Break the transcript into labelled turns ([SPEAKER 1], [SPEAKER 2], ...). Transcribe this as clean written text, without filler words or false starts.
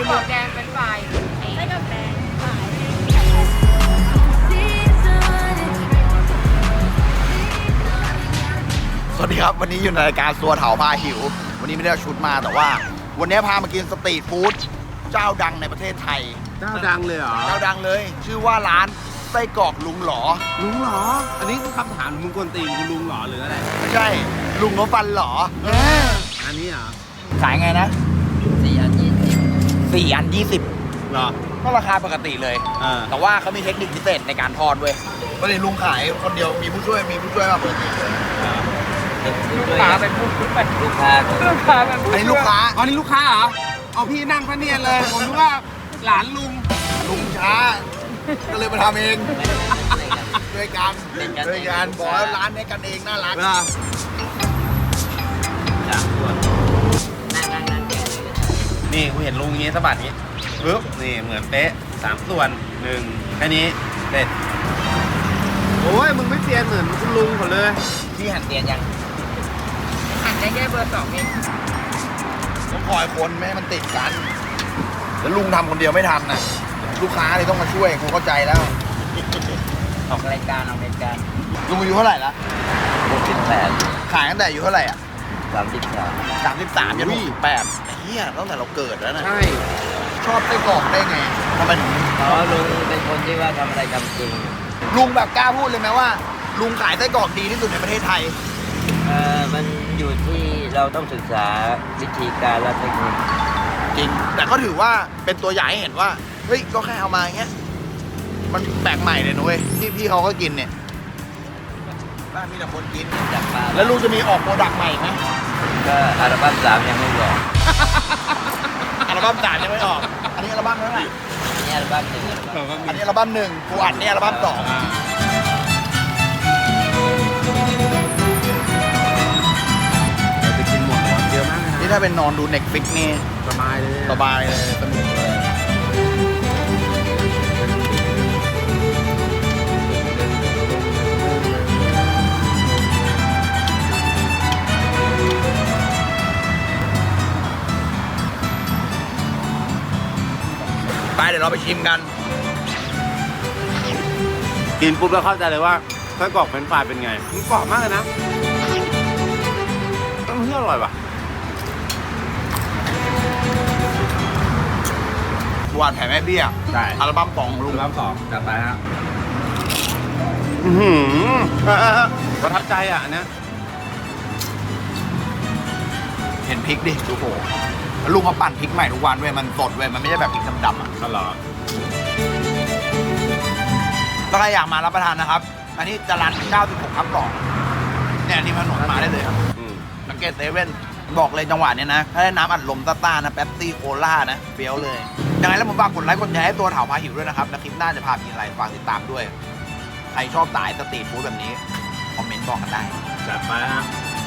[SPEAKER 1] กรอกแดงเป็นฝ่ายไส้กรอกแดงฝ่าย
[SPEAKER 2] สวัสดีครับวันนี้อยู่ในรายการซัวเถาพาหิววันนี้ไม่ได้เอาชุดมาแต่ว่า วันนี้พามากินสตรีทฟู้ดเจ้าดังในประเทศไทย
[SPEAKER 3] เจ้าดังเลยเหรอ
[SPEAKER 2] เจ้าดังเลย ชื่อว่าร้านไส้กรอกลุงหลอ
[SPEAKER 3] ลุงเหรอ อันนี้คือคำถามมึงกวนตีนกูลุงเหรอหรืออะไร
[SPEAKER 2] ไม่ใช่ลุงนฟันหลอ
[SPEAKER 3] อันนี้เหรอ
[SPEAKER 2] ขายไงนะ4 อัน 20
[SPEAKER 3] เหรอ
[SPEAKER 2] ก็ราคาปกติเลย แต่ว่าเขามีเทคนิคพิเศษในการทอดเว้ยปกติลุงขายคนเดียวมีผู้ช่วยมาปกติเลย
[SPEAKER 1] ลูกค้าเป็นผู้เป็นลูกค้าเป็นผู้
[SPEAKER 2] อันนี้ลูกค้า
[SPEAKER 3] อ๋อนี่ลูกค้าเหรอเอาพี่นั่งพะเนียนเลย ผมนึกว่าหลานลุง
[SPEAKER 2] ลุงช้า ก็เลยมาทำเองด้วยกันบอกแล้วร้านนี้กันเองน่ารัก
[SPEAKER 3] เหรอ นี่กูเห็นลุงอย่างงี้สะบัดนี้ปึ๊บนี่เหมือนเป๊ะ3 ส่วน1แค่นี้เสร็จโอ้ยมึงไม่เซียนเหมือนคุณลุงเขาเลย
[SPEAKER 2] ที่หันเตียนยัง
[SPEAKER 1] หั่นได้แค่เบอร์ 2เอง
[SPEAKER 2] ต้องคอยคนไม่ให้มันติดกัน แล้วลุงทำคนเดียวไม่ทันน่ะ ลูกค้าเลยต้องมาช่วยกูเข้าใจแล้ว
[SPEAKER 1] ออกรายการ
[SPEAKER 2] ลุงอายุเท่าไหร่ละ
[SPEAKER 1] 68
[SPEAKER 2] ขายตั้งแต่อายุเท่าไหร่อ่ะ
[SPEAKER 1] 33
[SPEAKER 2] 33ยัน68เฮียตั้งแต่เราเกิดแล้วนะ
[SPEAKER 3] ใช่
[SPEAKER 2] ชอบไส้กรอกได้ไงทำไมถึง
[SPEAKER 1] เพราะลุงเป็นคนที่ว่าทำอะไรทำจริง
[SPEAKER 2] ลุงแบบกล้าพูดเลยไหมว่า ลุงขายไส้กรอกดีที่สุดในประเทศไทย
[SPEAKER 1] มันอยู่ที่เราต้องศึกษาวิธีการและเทคนิค
[SPEAKER 2] จริง แต่ก็ถือว่าเป็นตัวอย่างให้เห็นว่า เฮ้ย ก็แค่เอามาอย่างเงี้ย มันแปลกใหม่เลยนะเว้ยที่พี่เขาก็กินเนี่ยบ้านมีแต่คนกิน
[SPEAKER 1] จากปลา
[SPEAKER 2] แล้วลุงจะมีออกโปรดักต์ใหม่ไหม
[SPEAKER 1] ก็อัลบั้ม3ยังไม่บอก
[SPEAKER 2] อัลบั้มสามยังไม่ออก อันนี้อัลบั้มเท่าไหร่
[SPEAKER 1] นี่อัลบั้ม1
[SPEAKER 2] อันนี้อัลบั้มหนึ่งกูอัดเนี่ยอัลบั้มสอง
[SPEAKER 3] เราจะกินหมดเยอะมากเลย
[SPEAKER 2] นี่
[SPEAKER 3] นะ
[SPEAKER 2] ถ้าเป็นนอนดูเน็ตฟิกนี่
[SPEAKER 3] สบายเลย
[SPEAKER 2] สบายเลยสนุกเลยไปเดี๋ยวเราไปชิมกัน
[SPEAKER 3] กินปุ๊บแล้วเข้าใจเลยว่าไส้กรอกเฟรนช์ฟรายเป็นไงมันกรอบมากเลยนะต้องเที่ยวอร่อยว่ะ
[SPEAKER 2] หวานแผ่แม่เบี้ย
[SPEAKER 3] ใช่
[SPEAKER 2] อัลบั้มสองของลุ
[SPEAKER 3] ลุ
[SPEAKER 2] ง
[SPEAKER 3] งรับสองจัดไปฮะประทับใจอ่ะอันเนี้ย
[SPEAKER 2] เห็นพริกดิดูโหแล้วลุงเขาปั่นพริกใหม่ทุกวันเว้ยมันสดเว้ยมันไม่ใช่แบบพริกดำๆอ่ะ
[SPEAKER 3] ก็หรอ
[SPEAKER 2] ถ้าใครอยากมารับประทานนะครับ อันนี้จรัญ96ทับ2เนี่ยที่ถนนมาได้เลยครับ
[SPEAKER 3] อืม
[SPEAKER 2] สังเกตเซเว่นบอกเลยจังหวะเนี้ยนะ ถ้าได้น้ำอัดลมซ่าๆนะ แป๊บซี่โคล่านะเฟี้ยวเลย ยังไงแล้วผมฝากกดไลค์กดแชร์ให้ตัวเถาพาหิวด้วยนะครับ แล้วคลิปหน้าจะพาไปกินอะไรฝากติดตามด้วย ใครชอบสายสตรีทฟู้ดแบบนี้ คอมเมนต์บอกกันได้
[SPEAKER 3] จัดไปฮะ